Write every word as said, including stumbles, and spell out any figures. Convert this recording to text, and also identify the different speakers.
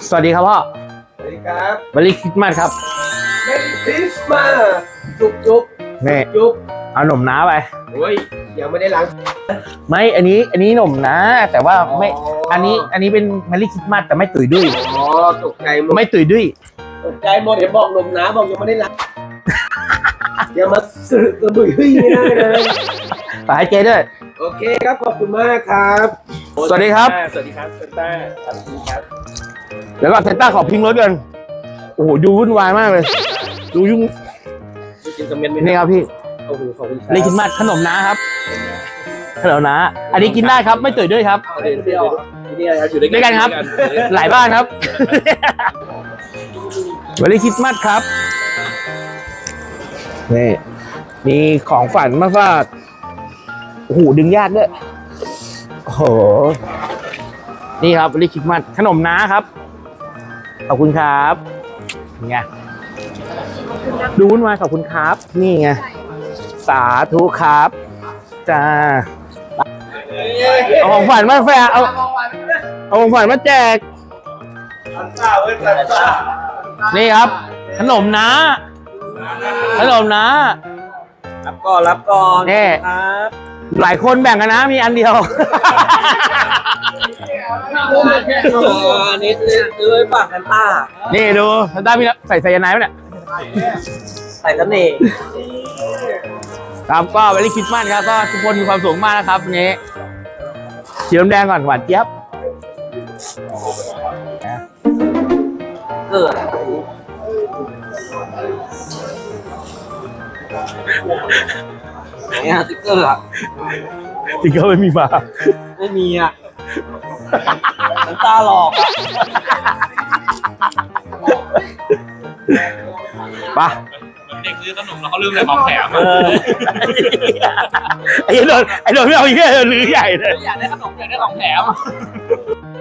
Speaker 1: สวัสดีครับพ่อ
Speaker 2: สวัสดีครับ
Speaker 1: วันนี้คริสต์มาสครับ
Speaker 2: เมรี่คริสต์มาสจุ๊บจุ๊บ
Speaker 1: นี่
Speaker 2: จุ๊บ
Speaker 1: เอาหนมน้าไป
Speaker 2: โอ้ยยังไม่ได้ล้าง
Speaker 1: ไม่อันนี้อันนี้หนมน้าแต่ว่าไม่อันนี้อันนี้เป็นเมรี่คริสต์มาสแต่ไม่ตุยดุ้ย
Speaker 2: อ๋อตกใจหมด
Speaker 1: ไม่ตุยดุ้ย
Speaker 2: ตกใจหมดเดี๋ยวบอกลมน้าบอกยังไม่ได้ล้างอย่ามาสื่อสะบุยไม่ได้เลย
Speaker 1: ฝากให้เจ๊ด้วย
Speaker 2: โอเคครับขอบคุณมากครับ
Speaker 1: สวัสดีครับ
Speaker 2: สวัสดีครับเซนต้าสวัสดีครับ
Speaker 1: เดี๋ยวก่อนเซนต้าขอพิงรถกันโอ้โหดูวุ่นวายมากเลยดูยุ่งนี่ครับพี่
Speaker 2: โอ้โหขอบคุณครับ
Speaker 1: เมรี่คริสต์มาสขนมน้าครับขนมน้าอันนี้กินได้ครับไม่ตุยด้วยครับ
Speaker 2: เดี๋ยวนี่อะไรครับอยู่
Speaker 1: ด้วยกันครับหลายบ้านครับเมรี่คริสต์มาสครับนี่มีของฝันมาฝากโอ้โหดึงยากด้วยโอ้โหนี่ครับเมรี่คริสต์มาสขนมน้าครับขอบคุณครับนี่ไงดูวุ่นวายขอบคุณครับนี่ไงสาธุครับจ้าเอาของฝันมาแฝงเอาเอาของฝันมาแจกนี่ครับขนมน้าขนมน้า
Speaker 2: รับก่อนรับก่อน
Speaker 1: นี่
Speaker 2: ครับ
Speaker 1: หลายคนแบ่งกันนะมีอันเดียว
Speaker 2: อันนี้ซื้อไว้ฝากกันต้า
Speaker 1: นี่ดูกันต้ามีใส่ไซยาไนด์ไหมเนี่ย
Speaker 2: ใส่กันเอง
Speaker 1: ครับก็เมรี่คริสต์มาสครับก็ทุกคนมีความสุขมากนะครับวันนี้สีน้ำแดงก่อนหวานเจี๊ยบ
Speaker 2: เกิดไหนอะสติ๊กเกอร์อะ
Speaker 1: สติ๊กเกอร์ไม่มีมา
Speaker 2: ไม่มีอะน้ำตาหลอกอะ
Speaker 1: ป่ะ
Speaker 3: เด็กซื้อขนมแล้วเขาลืมอะไรของแถม
Speaker 1: ไอ้โดนไอ้โดนไม่เอาอีกแค่ลือใหญ่เลย
Speaker 3: อยากได้ขนมอยากได้ของแถม